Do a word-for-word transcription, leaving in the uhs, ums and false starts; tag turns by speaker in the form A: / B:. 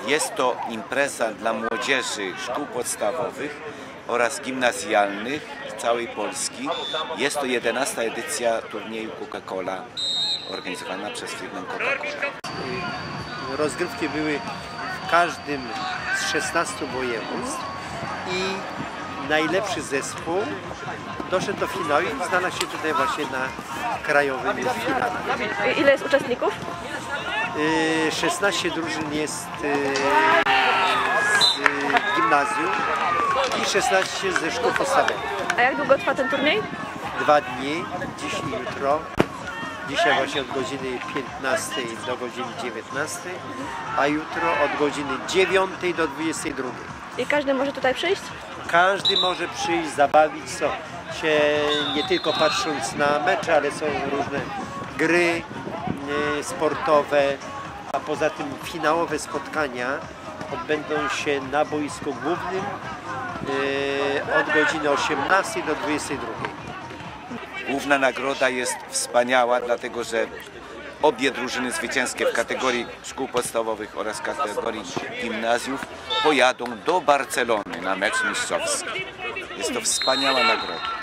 A: Jest to impreza dla młodzieży szkół podstawowych oraz gimnazjalnych z całej Polski. Jest to jedenasta edycja turnieju Coca-Cola organizowana przez firmę Coca-Cola.
B: Rozgrywki były w każdym z szesnastu województw i najlepszy zespół doszedł do finału i znalazł się tutaj właśnie na krajowym finale.
C: Ile jest uczestników?
B: szesnaście drużyn jest z gimnazjum i szesnaście ze szkół podstawowych.
C: A jak długo trwa ten turniej?
B: Dwa dni, dziś i jutro. Dzisiaj właśnie od godziny piętnastej do godziny dziewiętnastej, a jutro od godziny dziewiątej do dwudziestej drugiej.
C: I każdy może tutaj przyjść?
B: Każdy może przyjść, zabawić się, nie tylko patrząc na mecze, ale są różne gry sportowe, a poza tym finałowe spotkania odbędą się na boisku głównym od godziny osiemnastej do dwudziestej drugiej.
A: Główna nagroda jest wspaniała, dlatego że obie drużyny zwycięskie w kategorii szkół podstawowych oraz kategorii gimnazjów pojadą do Barcelony na mecz mistrzowski. Jest to wspaniała nagroda.